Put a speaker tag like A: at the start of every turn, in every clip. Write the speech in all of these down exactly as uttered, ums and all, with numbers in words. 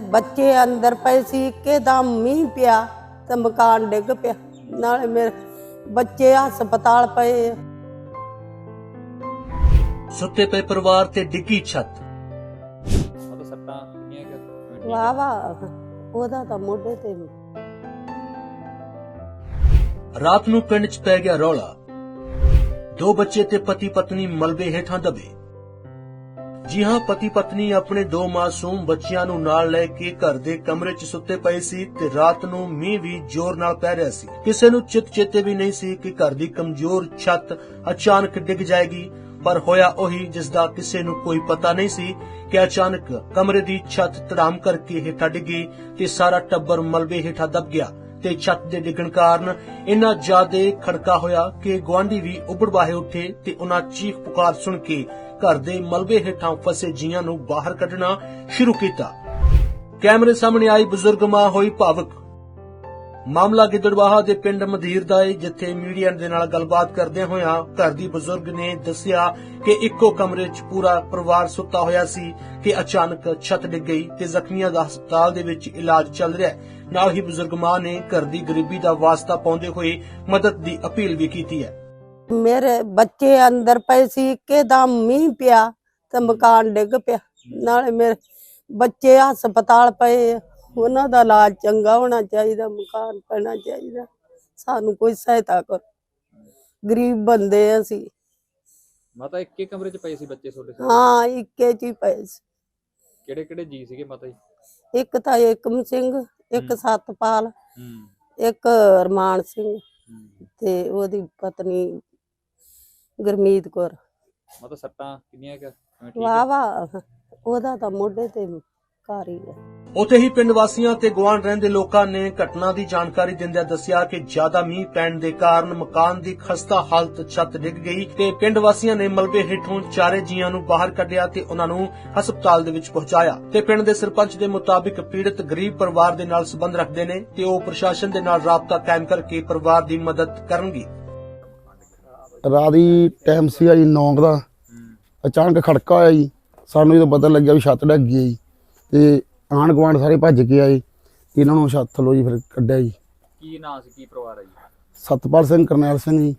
A: ਬੱਚੇ ਅੰਦਰ ਪਏ ਸੀ, ਇੱਕਦਮ ਮੀਂਹ ਪਿਆ ਤੇ ਮਕਾਨ ਡਿੱਗ ਪਿਆ। ਨਾਲੇ ਮੇਰੇ ਬੱਚੇ ਹਸਪਤਾਲ ਪਏ।
B: ਸੁੱਤੇ ਪਏ ਪਰਿਵਾਰ ਤੇ ਡਿੱਗੀ ਛੱਤ।
C: ਮਤਲਬ ਸੱਟਾਂ ਕਿੰਨੀਆਂ ਕਿ
A: ਵਾਹ ਵਾਹ, ਉਹਦਾ ਤਾਂ ਮੋਢੇ ਤੇ
B: ਰਾਤ ਨੂੰ ਪਿੰਡ 'ਚ ਪੈ ਗਿਆ ਰੌਲਾ। ਦੋ ਬੱਚੇ ਤੇ ਪਤੀ ਪਤਨੀ ਮਲਬੇ ਹੇਠਾਂ ਦਬੇ। ਜੀ ਹਾਂ, ਪਤੀ ਪਤਨੀ ਆਪਣੇ ਦੋ ਮਾਸੂਮ ਬੱਚਿਆਂ ਨੂੰ ਨਾਲ ਲੈ ਕੇ ਘਰ ਦੇ ਕਮਰੇ 'ਚ ਸੁੱਤੇ ਪਏ ਸੀ ਤੇ ਰਾਤ ਨੂੰ ਮੀਂਹ ਵੀ ਜ਼ੋਰ ਨਾਲ ਪੈ ਰਿਹਾ ਸੀ। ਕਿਸੇ ਨੂੰ ਚਿਤ ਚੇਤੇ ਵੀ ਨਹੀਂ ਸੀ ਕਿ ਘਰ ਦੀ ਕਮਜ਼ੋਰ ਛੱਤ ਅਚਾਨਕ ਡਿੱਗ ਜਾਏਗੀ, ਪਰ ਹੋਇਆ ਉਹੀ ਜਿਸ ਦਾ ਕਿਸੇ ਨੂੰ ਕੋਈ ਪਤਾ ਨਹੀਂ ਸੀ ਕਿ ਅਚਾਨਕ ਕਮਰੇ ਦੀ ਛੱਤ ਧੜਾਮ ਕਰਕੇ ਹੇਠਾਂ ਡਿੱਗੀ ਤੇ ਸਾਰਾ ਟੱਬਰ ਮਲਬੇ ਹੇਠਾਂ ਦਬ ਗਿਆ ਤੇ ਛੱਤ ਦੇ ਡਿੱਗਣ ਕਾਰਨ ਇੰਨਾ ਜ਼ਿਆਦਾ ਖੜਕਾ ਹੋਇਆ ਕਿ ਗੁਆਂਢੀ ਵੀ ਉੱਭੜ ਬਾਹੇ ਉੱਠੇ ਤੇ ਉਹਨਾਂ ਚੀਖ ਪੁਕਾਰ ਸੁਣ ਕੇ ਘਰ ਦੇ ਮਲਬੇ ਹੇਠਾਂ ਫਸੇ ਜੀਆਂ ਨੂੰ ਬਾਹਰ ਕੱਢਣਾ ਸ਼ੁਰੂ ਕੀਤਾ। ਕੈਮਰੇ ਸਾਹਮਣੇ ਆਈ ਬਜ਼ੁਰਗ ਮਾਂ ਹੋਈ ਭਾਵੁਕ। ਮਾਮਲਾ ਗਿੱਦੜਬਾਹਾ ਦੇ ਪਿੰਡ ਮਧੀਰ ਦਾ ਹੈ, ਜਿੱਥੇ ਮੀਡੀਆ ਦੇ ਨਾਲ ਗੱਲਬਾਤ ਕਰਦਿਆਂ ਹੋਇਆਂ ਘਰ ਦੀ ਬਜ਼ੁਰਗ ਨੇ ਦੱਸਿਆ ਕਿ ਇੱਕੋ ਕਮਰੇ 'ਚ ਪੂਰਾ ਪਰਿਵਾਰ ਸੁੱਤਾ ਹੋਇਆ ਸੀ ਕਿ ਅਚਾਨਕ ਛੱਤ ਡਿੱਗ ਗਈ ਤੇ ਜ਼ਖਮੀਆਂ ਦਾ ਹਸਪਤਾਲ ਦੇ ਵਿੱਚ ਇਲਾਜ ਚੱਲ ਰਿਹਾ ਹੈ। ਨਾਲ ਹੀ ਬਜ਼ੁਰਗ ਮਾਂ ਨੇ ਘਰ ਦੀ ਗਰੀਬੀ ਦਾ ਵਾਸਤਾ ਪਾਉਂਦੇ ਹੋਏ ਮਦਦ ਦੀ ਅਪੀਲ ਵੀ ਕੀਤੀ ਹੈ।
A: ਮੇਰੇ ਬੱਚੇ ਅੰਦਰ ਪਏ ਸੀ, ਇੱਕਦਮ ਮੀਂਹ ਪਿਆ ਤੇ ਮਕਾਨ ਡਿੱਗ ਪਿਆ। ਨਾਲੇ ਮੇਰੇ ਬੱਚੇ ਹਸਪਤਾਲ ਪਏ। ਉਹਨਾਂ ਦਾ ਇਲਾਜ ਚੰਗਾ ਹੋਣਾ ਚਾਹੀਦਾ, ਮਕਾਨ ਪੈਣਾ ਚਾਹੀਦਾ। ਸਾਨੂੰ ਕੋਈ ਸਹਾਇਤਾ ਕਰੋ, ਗਰੀਬ ਬੰਦੇ ਅਸੀਂ।
C: ਮਾਤਾ ਇੱਕੇ ਕਮਰੇ 'ਚ ਪਏ ਸੀ ਬੱਚੇ ਤੁਹਾਡੇ?
A: ਹਾਂ, ਇੱਕੇ ਚ ਹੀ ਪਏ ਸੀ।
C: ਕਿਹੜੇ ਕਿਹੜੇ ਜੀ ਸੀਗੇ ਮਾਤਾ ਜੀ?
A: ਇੱਕ ਤਾਂ ਏਕਮ ਸਿੰਘ, ਇੱਕ ਸਤਪਾਲ,
C: ਹੂੰ
A: ਇੱਕ ਰਮਾਨ ਸਿੰਘ ਤੇ ਉਹਦੀ ਪਤਨੀ ਗੁਰਮੀਤ ਕੌਰ।
C: ਮਾਤਾ ਸੱਟਾਂ ਕਿੰਨੀਆਂ ਕਿ
A: ਵਾਹ ਵਾਹ, ਉਹਦਾ ਤਾਂ ਮੋਢੇ ਤੇ ਘਰ ਹੀ ਹੈ।
B: ਉੱਥੇ ਹੀ ਪਿੰਡ ਵਾਸੀਆਂ ਤੇ ਗੁਆਂਢ ਰਹਿੰਦੇ ਲੋਕਾਂ ਨੇ ਘਟਨਾ ਦੀ ਜਾਣਕਾਰੀ ਦਿੰਦਿਆਂ ਦੱਸਿਆ ਕਿ ਜ਼ਿਆਦਾ ਮੀਂਹ ਪੈਣ ਦੇ ਕਾਰਨ ਮਕਾਨ ਦੀ ਖਸਤਾ ਹਾਲਤ ਛੱਤ ਡਿੱਗ ਗਈ ਤੇ ਪਿੰਡ ਵਾਸੀਆਂ ਨੇ ਮਲਬੇ ਹੇਠੋਂ ਚਾਰੇ ਜੀਆਂ ਨੂੰ ਬਾਹਰ ਕੱਢਿਆ ਤੇ ਉਹਨਾਂ ਨੂੰ ਹਸਪਤਾਲ ਦੇ ਵਿੱਚ ਪਹੁੰਚਾਇਆ। ਤੇ ਪਿੰਡ ਦੇ ਸਰਪੰਚ ਦੇ ਮੁਤਾਬਿਕ ਪੀੜਤ ਗਰੀਬ ਪਰਿਵਾਰ ਦੇ ਨਾਲ ਸੰਬੰਧ ਰੱਖਦੇ ਨੇ ਤੇ ਉਹ ਪ੍ਰਸ਼ਾਸਨ ਦੇ ਨਾਲ ਰਾਬਤਾ ਕਾਇਮ ਕਰਕੇ ਪਰਿਵਾਰ ਦੀ ਮਦਦ ਕਰਨਗੇ।
D: ਰਾਤ ਦੀ ਟਾਈਮ ਸੀਗਾ ਜੀ ਨੌਂ ਦਾ, ਅਚਾਨਕ ਖੜਕਾ ਹੋਇਆ ਜੀ। ਸਾਨੂੰ ਜਦੋਂ ਪਤਾ ਲੱਗਿਆ ਵੀ ਛੱਤ ਡਿੱਗ ਗਈ ਤੇ ਆਂਢ ਗੁਆਂਢ ਸਾਰੇ ਭੱਜ ਕੇ ਆਏ, ਇਹਨਾਂ ਨੂੰ ਛੱਤ ਥੱਲੋਂ ਜੀ ਫਿਰ ਕੱਢਿਆ ਜੀ।
C: ਕੀ ਨਾਂ ਸੀ, ਕੀ ਪਰਿਵਾਰ ਹੈ ਜੀ?
D: ਸਤਪਾਲ ਸਿੰਘ, ਕਰਨੈਲ ਸਿੰਘ ਜੀ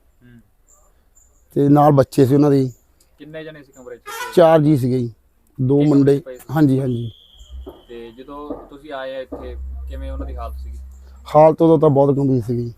D: ਤੇ ਨਾਲ ਬੱਚੇ ਸੀ ਉਹਨਾਂ ਦੇ।
C: ਕਿੰਨੇ ਜਣੇ ਸੀ ਕਮਰੇ 'ਚ?
D: ਚਾਰ ਜੀ ਸੀਗੇ ਜੀ, ਦੋ ਮੁੰਡੇ। ਹਾਂਜੀ ਹਾਂਜੀ।
C: ਤੇ ਜਦੋਂ ਤੁਸੀਂ ਆਏ ਆ ਇੱਥੇ, ਕਿਵੇਂ ਉਹਨਾਂ ਦੀ ਹਾਲਤ ਸੀਗੀ?
D: ਹਾਲਤ ਉਦੋਂ ਤਾਂ ਬਹੁਤ ਗੰਭੀਰ ਸੀਗੀ।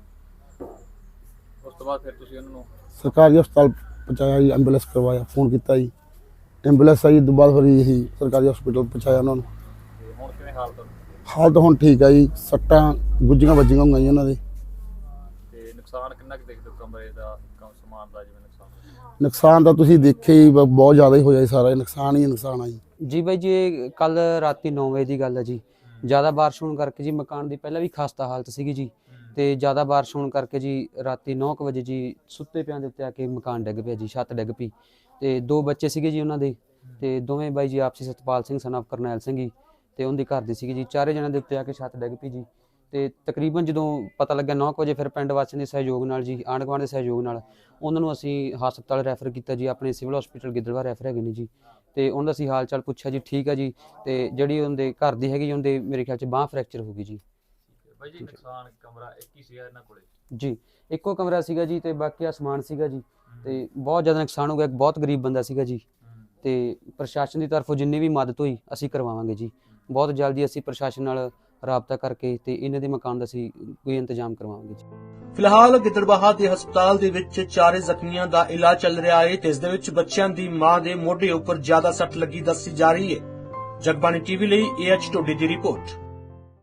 C: ਉਸ ਤੋਂ ਬਾਅਦ ਫਿਰ ਤੁਸੀਂ ਉਹਨਾਂ ਨੂੰ
D: ਸਰਕਾਰੀ ਹਸਪਤਾਲ ਪਹੁੰਚਾਇਆ ਜੀ, ਐਂਬੂਲੈਂਸ ਕਰਵਾਇਆ, ਫੋਨ ਕੀਤਾ ਜੀ, ਐਂਬੂਲੈਂਸ ਆਈ। ਦੁਬਾਰਾ ਫਿਰ ਇਹੀ ਸਰਕਾਰੀ ਹਸਪਤਾਲ ਪਹੁੰਚਾਇਆ ਉਹਨਾਂ ਨੂੰ।
C: ਤੇ ਹੁਣ ਕਿਵੇਂ ਹਾਲਤ?
D: ਹਾਲਤ ਹੁਣ ਠੀਕ ਆ ਜੀ, ਸੱਟਾਂ ਗੁੱਝੀਆਂ ਵੱਜੀਆਂ ਹੋਈਆਂ ਜੀ ਉਹਨਾਂ ਦੇ।
C: ਤੇ ਨੁਕਸਾਨ ਕਿੰਨਾ ਕੁ ਦੇਖਦੇ ਹੋ ਕਮਰੇ ਦਾ, ਕੰਮ ਸਮਾਨ ਦਾ ਜਿਵੇਂ ਨੁਕਸਾਨ?
D: ਨੁਕਸਾਨ ਤਾਂ ਤੁਸੀਂ ਦੇਖਿਆ ਹੀ, ਬ- ਬਹੁਤ ਜ਼ਿਆਦਾ ਹੀ ਹੋਇਆ ਜੀ, ਸਾਰਾ ਨੁਕਸਾਨ ਹੀ ਨੁਕਸਾਨ ਆ ਜੀ।
E: ਜੀ ਬਾਈ ਜੀ, ਕੱਲ ਰਾਤੀ ਨੌ ਵਜੇ ਦੀ ਗੱਲ ਹੈ ਜੀ। ਜ਼ਿਆਦਾ ਬਾਰਿਸ਼ ਹੋਣ ਕਰਕੇ ਜੀ ਮਕਾਨ ਦੀ ਪਹਿਲਾਂ ਵੀ ਖਸਤਾ ਹਾਲਤ ਸੀਗੀ ਜੀ, ਤੇ ਜ਼ਿਆਦਾ ਬਾਰਿਸ਼ ਹੋਣ ਕਰਕੇ ਜੀ ਰਾਤੀ ਨੌ ਕੁ ਵਜੇ ਜੀ ਸੁੱਤੇ ਪਿਆਂ ਦੇ ਉੱਤੇ ਆ ਕੇ ਮਕਾਨ ਡਿੱਗ ਪਿਆ ਜੀ, ਛੱਤ ਡਿੱਗ ਪਈ। ਤੇ ਦੋ ਬੱਚੇ ਸੀਗੇ ਜੀ ਉਹਨਾਂ ਦੇ, ਤੇ ਦੋਵੇਂ ਬਾਈ ਜੀ ਆਪਸੀ ਸਤਪਾਲ ਸਿੰਘ ਸਨ ਆਫ ਕਰਨੈਲ ਸਿੰਘ ਜੀ ਤੇ ਉਹਦੀ ਘਰ ਦੀ ਸੀਗੀ ਜੀ। ਚਾਰੇ ਜਣਿਆਂ ਦੇ ਉੱਤੇ ਆ ਕੇ ਛੱਤ ਡਿੱਗ ਪਈ ਜੀ। ਤੇ ਤਕਰੀਬਨ ਜਦੋਂ ਪਤਾ ਲੱਗਿਆ ਨੌ ਕੁ ਵਜੇ, ਫਿਰ ਪਿੰਡ ਵਾਸੀਆਂ ਦੇ ਸਹਿਯੋਗ ਨਾਲ ਜੀ, ਆਂਢ ਗੁਆਂਢ ਦੇ ਸਹਿਯੋਗ ਨਾਲ ਉਹਨਾਂ ਨੂੰ ਅਸੀਂ ਹਸਪਤਾਲ ਰੈਫਰ ਕੀਤਾ ਜੀ, ਆਪਣੇ ਸਿਵਲ ਹਸਪੀਟਲ ਗਿੱਦੜਬਾਹਾ ਰੈਫਰ ਹੈਗੇ ਨੇ ਜੀ। ਤੇ ਉਹਨਾਂ ਦਾ ਅਸੀਂ ਹਾਲ ਚਾਲ ਪੁੱਛਿਆ ਜੀ, ਠੀਕ ਆ ਜੀ। ਤੇ ਜਿਹੜੀ ਉਹਦੇ ਘਰ ਦੀ ਹੈਗੀ ਉਹਦੇ ਮੇਰੇ ਖਿਆਲ 'ਚ ਬਾਂਹ ਫ੍ਰੈਕਚਰ ਹੋ ਗਈ ਜੀ।
C: ਬਾਈ ਜੀ ਨੁਕਸਾਨ ਕਮਰਾ ਇੱਕ ਹੀ ਸੀਗਾ ਇਹਨਾਂ ਕੋਲੇ?
E: ਜੀ ਇੱਕੋ ਕਮਰਾ ਸੀਗਾ ਜੀ, ਤੇ ਬਾਕੀ ਅਸਮਾਨ ਸੀਗਾ ਜੀ। ਤੇ ਬਹੁਤ ਜ਼ਿਆਦਾ ਨੁਕਸਾਨ ਹੋ ਗਿਆ, ਬਹੁਤ ਗਰੀਬ ਬੰਦਾ ਸੀਗਾ ਜੀ। ਤੇ ਪ੍ਰਸ਼ਾਸਨ ਦੀ ਤਰਫੋਂ ਜਿੰਨੀ ਵੀ ਮਦਦ ਹੋਈ ਅਸੀਂ ਕਰਵਾਵਾਂਗੇ ਜੀ। ਬਹੁਤ ਜਲਦੀ ਅਸੀਂ ਪ੍ਰਸ਼ਾਸਨ ਨਾਲ ਰਾਬਤਾ ਕਰਕੇ ਤੇ ਇਹਨਾਂ ਦੇ ਮਕਾਨ ਦਾ ਅਸੀਂ ਕੋਈ ਇੰਤਜ਼ਾਮ ਕਰਵਾਵਾਂਗੇ ਜੀ।
B: ਫਿਲਹਾਲ ਗਿੱਦੜਬਾਹਾ ਦੇ ਹਸਪਤਾਲ ਦੇ ਵਿੱਚ ਚਾਰੇ ਜ਼ਖਮੀਆਂ ਦਾ ਇਲਾਜ ਚੱਲ ਰਿਹਾ ਹੈ ਤੇ ਇਸ ਦੇ ਵਿੱਚ ਬੱਚਿਆਂ ਦੀ ਮਾਂ ਦੇ ਮੋਢੇ ਉੱਪਰ ਜ਼ਿਆਦਾ ਸੱਟ ਲੱਗੀ ਦੱਸੀ ਜਾ ਰਹੀ ਹੈ। ਜਗਬਾਣੀ ਟੀਵੀ ਲਈ ਏ ਐਚ ਟੋਡੀ ਦੀ ਰਿਪੋਰਟ।